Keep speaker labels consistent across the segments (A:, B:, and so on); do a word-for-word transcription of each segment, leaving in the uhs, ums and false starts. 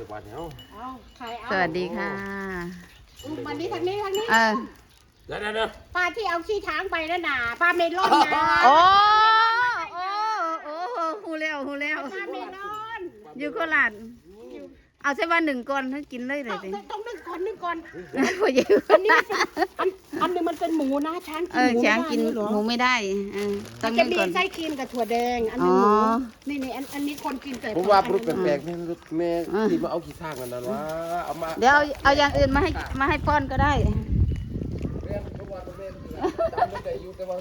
A: จากวันเนาะ
B: เอาใครเอา
C: สวัสดีค่ะ
B: วันนี้ทางนี้ทางนี้
C: เออ
A: เดี๋ยวเดี๋ยว
B: ป้าที่เอาขี้ช้างไปนั่นน่ะป้าเมลอนนะ
C: โอ้โอ้โอ้หูแล้วหูแล้ว
B: ป้าเมลอน
C: อยู่โคราชเอาใช่ว่าหนึ่งก้อนให้กินเลยเล
B: ต้
C: ย
B: อง
C: สิ
B: ต้องนึ่งก่อนนึ่งก่อน
C: พออยู่
B: อันนี้มันเป็นอันอันนึงมันเป็นหมูนะช้างกิ
C: เอน อ
B: หมู
C: ช้างกิน
B: ไม่ได้เหรอ
C: หมูไม่ได้เออต้
B: มั
C: อน ง
B: จะ
C: นึ่ง
B: มี
C: ก่อน
B: ไส้ครีมกับถั่วแดงอันนึงหมู
C: อ๋อ
B: นี่นี่อันอันนี้คนกินแต่
A: ผมว่ารุดแปลกๆแม่รุดแม่ที่มาเอาขี้ข้างกันนั่นวะเอามา
C: เดี๋ยวเอาเอาอย่างอื่นมาให้มาให้ป้อนก็ได้
A: แม่ทุกวันแม่จำไม่ได้อยู่แต่ว่า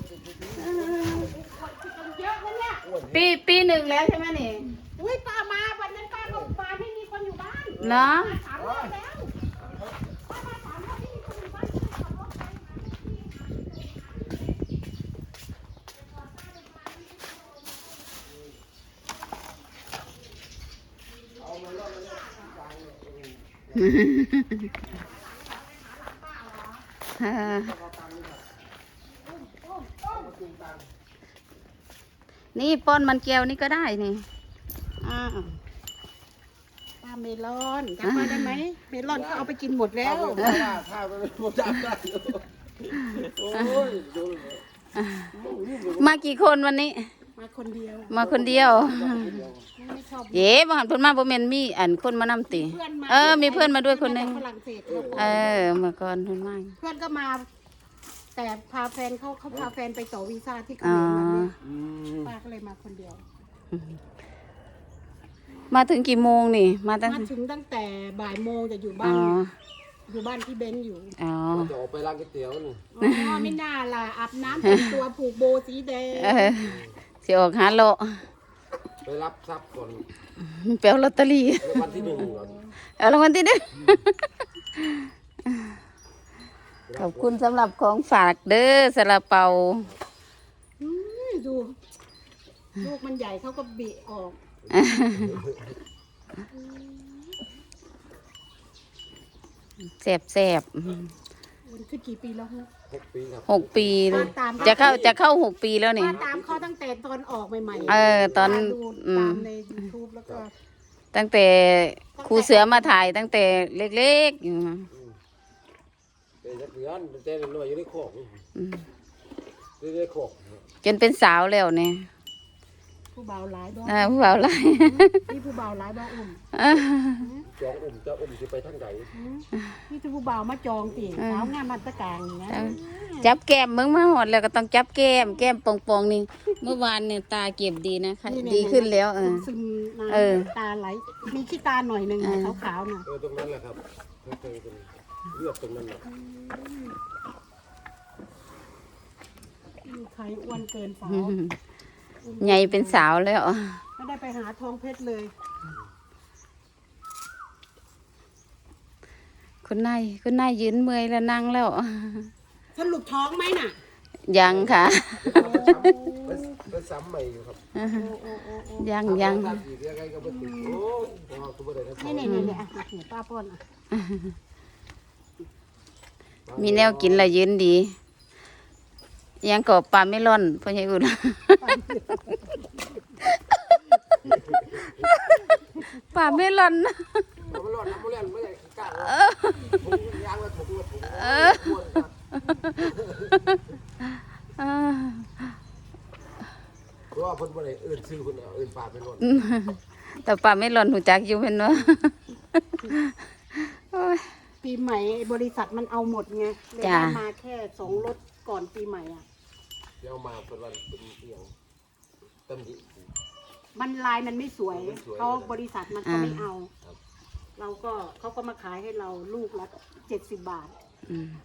B: เยอะนะเนี่ย
C: ปีปีหนึ่งแล้วใช่ไหมนี่
B: อุ้ยป้ามาวันนั้นป้าก็มาไม่มีคนอยู่บ้าน
C: เนาะ
B: มาสามรอบแล้วป้ามาสามรอบไม่มีคนอยู่บ้านขับรถไป
C: เออนี่ป้อนมันแก้วนี่ก็ได้นี่อ้าว
B: ป้าเมลอนจำมาได้ไหมเมลอนก็เอาไปกินหมดแล้ว
A: ข้าวข้าวผมจำได้โอ้ย
C: มากี่คนวันนี้
B: มาคนเดียว
C: มาคนเดียว
B: ไม่ชอบ
C: เย้บางหันเพิ่นมาบ่แม่นมีอันคนมานำติ
B: เพื่อนมา
C: เออ มีเพื่อนมาด้วยคนหนึง
B: ฝรั่งเศสครับ
C: เออมาก่อนเพิ่นมา
B: เพื่อนก็มา แต่พาแฟนเขาเขาพาแฟนไปต่อวีซ่าที่เข
C: อ๋อ
B: มรวันนี้
A: อืม
B: ป้าก็เลยมาคนเดียว
C: มาถึงกี่โมงนี่ มาตั้ง
B: มาถึงตั้งแต่บ่ายโมงจะอยู่
C: อ๋
B: บ้า
C: อน
B: อยู่บ้านที่เบนซ์อยู่
C: อ๋อ
A: จะออกไปร้านก๋วยเตี๋ยวนี่
B: อ๋อไม่น่าล่ะอาบน้ำแต่งตัวผูกโบสีแดง
C: เออสิออกหาโล
A: ไปรับทรัพย์ก่อน
C: แปลลอตเตอรี่
A: ในวันที่หนึ่งก่อน
C: เอารางวัลที่หนึ่งขอบคุณสำหรับของฝากเด้อซาลาเปา
B: อืมดู ลูกมันใหญ่เขาก็บิออก
C: แซ่บแซ่บ
B: มันคือกี่ปีแล้วฮะ
A: หกปีครับ
C: หกปีเลย
B: ตาม
C: จะเข้าจะเข้าหกปีแล้วนี่
B: ป้าตามเขาตั้งแต่ตอนออกใหม่ๆ
C: เออตอน
B: ป้าดู
C: อืม
B: ตามใน YouTube แล้วก็
C: ตั้งแต่ครูเสือมาถ่ายตั้งแต่เล็กๆอยู่มา
A: เป็นนักเรียนเป็นเต้นหน่วยอยู่ในโคก
C: อืม
A: อยู่ในโคก
C: จนเป็นสาวแล้วเนี่ย
B: ผู้บ่าวหลายบ้อง
C: อ่าผู้บ่าวหลาย
B: นี่ผู้บ่าวหลายบ้องอุ่ม
A: จองอุ่มจะอุ่มจะไปทางไหน
B: นี่คือผู้บ่าวมาจองตีสาวงามมันตะกางอย่างนะ
C: จับแก้มมึงมาหอดแล้วก็ต้องจับแก้มแก้มปองๆนี่ เมื่อวานเนี่ยตาเก็บดีนะคะดีขึ้นแล้วเออ
B: ซึมๆนะ
C: เออ
B: ตาไหลมีขี้ตาหน่อยหนึ่ง
C: เออ
B: ขาวๆน่ะ
A: เออตรงนั้นแหละครับตรงเลือดตรงนั้นแหละ
B: มีใครอ้วนเกินสาว
C: อืมใหญ่เป็นสาวแล้ว
B: ไม่ได้ไปหาทองเพชรเลย
C: คุณนายคุณนายยืนเมื่อยแล้วนั่งแล้ว
B: สรุปท้องไหมน่ะ
C: ยังค่ะ
A: เป็นซ้ำใหม่อยู่ครับ
B: โอ้โอ้โอ้โอ้
C: ยังยัง
A: ทำอีกยังไงก็ไม่ติดโอ้ยพอคุณไม่ได้นะ
B: นี่นี่นี่นี่อ่ะเดี๋ยวป้าป้อนอ่ะ
C: มีแนวกินและยืนดี ยังกบปลาไม่ร่อนพ่อใหญ่อุ่น ปลาไม่ร่อน
A: เราไม่รอดน้ำไม่เล่นไม่ได้ขี้กาถุงยางมาถุงมาถุง
C: เออ อ่า
A: เพราะว่าคนบ่ได้เอื่นซื้อคนเอาเอื่นปลาไปรอด
C: แต่ปลาไม่ร่อนหูจักอยู่เป็นวะโอ้ย
B: ปีใหม่บริษัทมันเอาหมดไงเลย
C: จ้ะ
B: ได้มาแค่สองรถก่อนปีใหม่อ่ะ
A: เดี๋ยวมาเป็นวันเป็นเอียงตำหนิ
B: มันลายมันไม่สวย
A: ไม่สวย
B: เขาบริษัทมันก็ไม่
C: อ่า
B: เอา
A: ครับ
B: เราก็เขาก็มาขายให้เราลูกละเจ็ดสิบบาท
C: อืม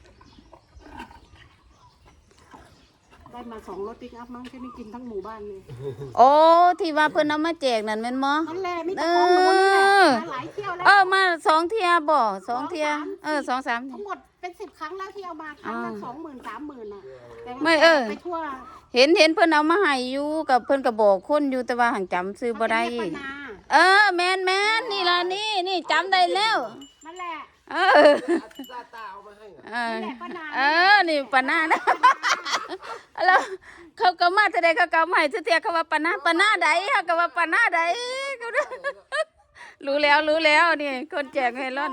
B: ได้มาสองรถปิกอัพมั้งแค่นี้กินทั้งหมู่บ้านเลย
C: โอ้ที่ว่าเพิ่นเอามาแจกนั่นแม่นบ่
B: นั่นแหละมีแต่ของหนูนี่แหละ
C: เออ
B: มาหลายเที่ยวแล้ว
C: เออมาสองเทียบ่สองเทียเออสองสาม
B: ทั้งหมดเป็นสิบครั้งแล้วที่เอามาครั้งละ
C: อ่า
B: สองหมื่นสามหมื่นอ่ะแต่ว่า
C: ไม่เออ
B: ไปทั่ว
C: เห็นเห็นเพิ่นเอามาให้อยู่กับเพิ่นก็บอกคนอยู่แต่ว่าหังจำซื้อบ่ได้
B: เขาจะเรียกป้านา
C: เออแม่นแม่นนี่ล่ะนี่นี่จำได้แล้ว
B: นั่นแหละ
C: เออ
A: ตาตาเอามาให้
C: เออ
B: นั่นแหละป้านา
C: เออนี่ปานานะแล้วเขาก็มาแต่ใดเขาก็เอามาให้ทุกเทียเขาว่าปานาปานาใดเขาก็ว่าปานาใดเขาเด้อรู้แล้วรู้แล้วนี่คนแจกเมลอน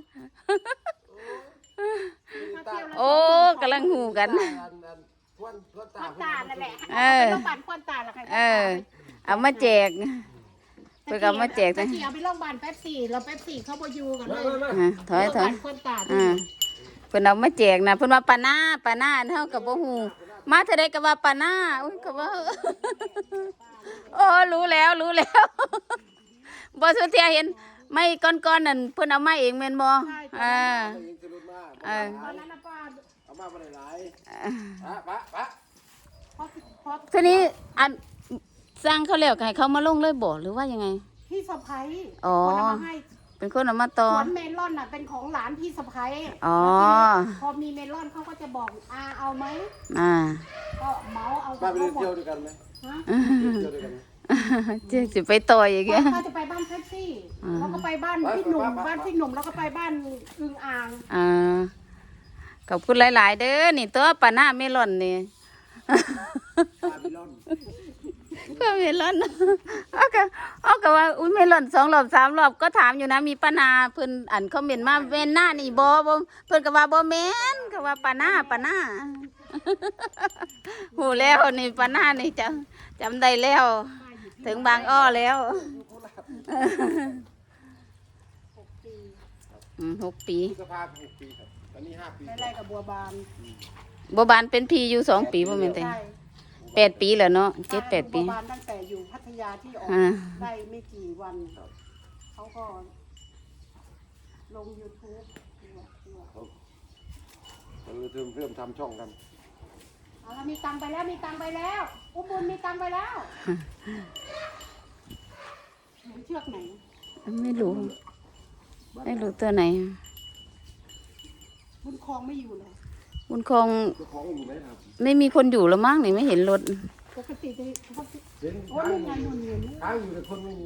C: โอ้กำลังหูกัน
A: ทวนทวน
B: ค
A: ตา
B: วันตานั่นแหละ
C: เออ
B: ไปโรงพยาบาลควันตาแล้วใคร
C: เออ เอามาแจกเพื่อเอามาแจก
B: ตะ
C: นะ
B: กี้เอาไปโรงพยาบาลแป๊บสี่เราแป๊บสี่เขาบอยู่กันเลย
C: อ่ะถอยถอย
B: โรงพยาบาลควันตา
C: อ่าเพิ่นเอามาแจกนะเพิ่นว่าปานาปานาเฮากับบ่ฮู้มาเท่าใดก็ว่าปานาอุ้ยก็ว่า โอ้รู้แล้วรู้แล้ว บ่สุเทียเห็นไม่ก้อนๆนั่นเพิ่นเอามาเองแม่นบ่อ่า เออ
B: ตอนนั้นนะป้า
A: เอามาบ่ได้หลายปะปะปะ
B: พอพอ
C: ทีนี้อันสร้างเขาแล้วก็ให้เขามาลงเลยบ่หรือว่ายังไง
B: พี่สะพ้าย
C: อ๋อ
B: คนเอามาให้
C: เป็นคนเอามา
B: ส
C: ต่อ
B: วนเมลอนน่ะเป็นของหลานพี่สะพ้าย
C: อ๋อ
B: พอมีเมลอนเขาก็จะบอกอาเอาไหม
C: อ่า
B: ก็เหมาเอา
A: ป้าไป
B: เขาหม
A: เที่ยว
B: ด
A: ด้วยกันไหม
B: ฮะ
A: เที่ยวด้วยกันไหม
C: เจ๊สิไปต่อยอีก
B: ป้า
C: อ่ะ
B: ป้าจะไปบ้านแท็กซี่
C: อ่า
B: แล้วก็ไปบ้านพี่หนุ่มบ้านพี่หนุ่มแล้วก็ไปบ้านอึงอ่าง
C: อ่าขอบคุณหลาย ๆ เด้อนี่ตัวปานาเมลอนนี่
A: ปาบิลอน
C: ก็เมลอนเอาก็เอาก็ว่าอุ้ยเมลอนสองรอบสามรอบก็ถามอยู่นะมีปานาเพิ่นอันคอมเมนต์มาเวนหน้านี่บ่บ่เพิ่นก็ว่าบ่แม่นก็ว่าปานาปานา หูแล้วนี่ปานานี่จำจำได้แล้ว ถึงบางอ้อแล้ว
B: หกปี
C: อืมหกปี
A: พฤษภาคมหกปีครับตอนนี้ห้าปี
B: ไล่ๆกับบัวบาน
C: บ่บานเป็นพี่อยู่สองปีบ่แม่นแต่
B: ใช่
C: แปดปีแล้วเนาะเจ็ดแปดปี
B: บัวบานตั้งแต่อยู่พัทยาที่ออก
C: อ่า
B: ได้ไม่กี่วันเขาก็ลง YouTube
A: เราเริ่มเริ่มทำช่องกัน
B: เอาละมีตังค์ไปแล้วมีตังค์ไปแล้วอุ้มบุญมีตังค์ไปแล้วหนูเชือกไหน
C: ไม่รู้ ไม่รู้ตัวไหน
B: บุญคลองไม่อยู่เลย
C: บุญคง
A: เจ้าของอยู่ไหมครับ
C: ไม่มีคนอยู่แล้วมั้งนี่ไม่เห็นรถ
B: ปกติจะเขา
A: เห็น
B: โอ้ยนี่ไงนุ่นเงิน
A: ค้างอยู่แต่คนไม่มี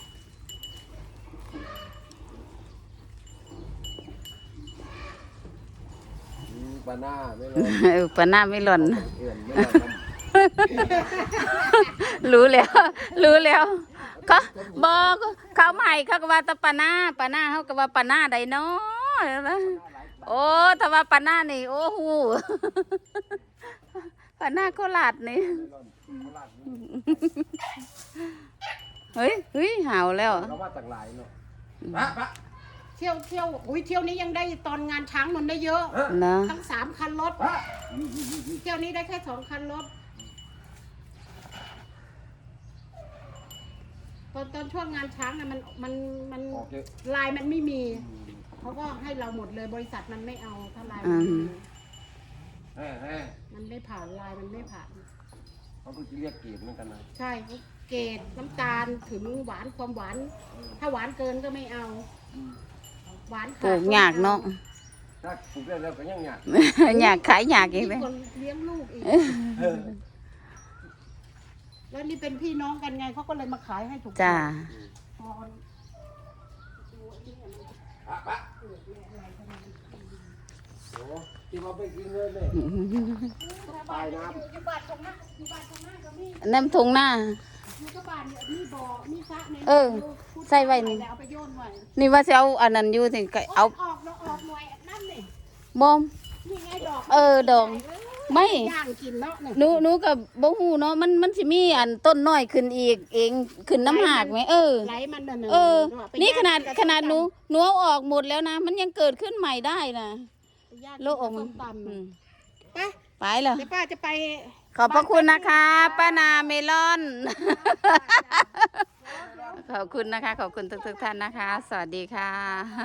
A: อืมบานาไม่รอ
C: เออปาหน้าไม่หล่น
A: เอื่อนไม่รอด
C: รู้แล้ว รู้แล้วก็บอกเขาใหม่เขาก็ว่าแตะปาหน้าปาหน้าเขาก็ว่าปาหน้าใดเนาะโอ้ถ้าว่าปาหน้านี่โอ้โห ปาหน้าโคราชนี่เฮ้ยเฮ้ยห่าวแล้ว
A: เราว่าต่างหลายเนาะปะปะ
B: เที่ยวเที่ยวอุ้ยเที่ยวนี้ยังได้ตอนงานช้างมันได้เยอะ
C: เนาะ
B: ทั้งสามคันรถ
A: ปะ
B: เที่ยวนี้ได้แค่สองคันรถตอนตอนช่วงงานช้างน่ะมันมันมัน
A: ออกเยอะ
B: ลายมันไม่มีเขาก็ให้เราหมดเลยบริษัทมันไม่เอาถ้าลายมันไม่มี
A: แฮ่แฮ่
B: มันไม่ผ่านลายมันไม่ผ่าน
A: เขาเพิ่งจะเรียกเกียรติเหมือนกันนะ
B: ใช่เกรดน้ำตาลถึงหวานความหวาน ถ้าหวานเกินก็ไม่เอา หวาน
C: ปลูกยากเนาะ
A: ถ้าปลูกได้แล้วก็ยังอยาก
C: อยากขายอยากอีกเลย
B: มีคนเลี้ยงลูกอีก
A: เออ
B: แล้วนี่เป็นพี่น้องกันไงเขาก็เลยมาขายให้ถูก
C: จ้า
B: พอ
A: ปะปะโอ้ที่มาไปกินเงินเลย ตายน้ำ
B: อยู่บ้านตรงหน้าอยู่บ้านตรงหน้าก็มี
C: น้ำทงหน้า
B: อยู่ก็บ้านเนี่ยมีบ่อมีสระใน
C: เออใส่ไว้นี่
B: เอาไปโยนไว้
C: นี่ว่าจะเอาอันนั้นอยู่สิก็เอา
B: ออกแล้วออกหน่วยนั่นนี่
C: บอม
B: นี่ไงดอก
C: เออดอกไม่
B: ย่างกินเนาะนี่
C: หนูหนูกับบ่ฮู้เนาะมันมันสิมีอันต้นน้อยขึ้นอีกเองขึ้นน้ำหากไหมเออ
B: ไหลมันน่ะ
C: เออ
B: ไป
C: นี่
B: ย่ง
C: ขนาด
B: กับ
C: ขนาดหนู
B: ส้ม
C: หนูเอาออกหมดแล้วนะ มันยังเกิดขึ้นใหม่ได้นะ
B: ตำไปย่าง
C: โลกออก
B: ส้
C: มัน
B: มตำ
C: อื
B: น่ะ
C: ม
B: ไป
C: ไปแล้ว
B: เดี๋ยวป้าจะไป
C: ขอบพระคุณนะคะป้านาเมลอน ขอบคุณนะคะ ขอบคุณทุกๆท่านนะคะ สวัสดีค่ะ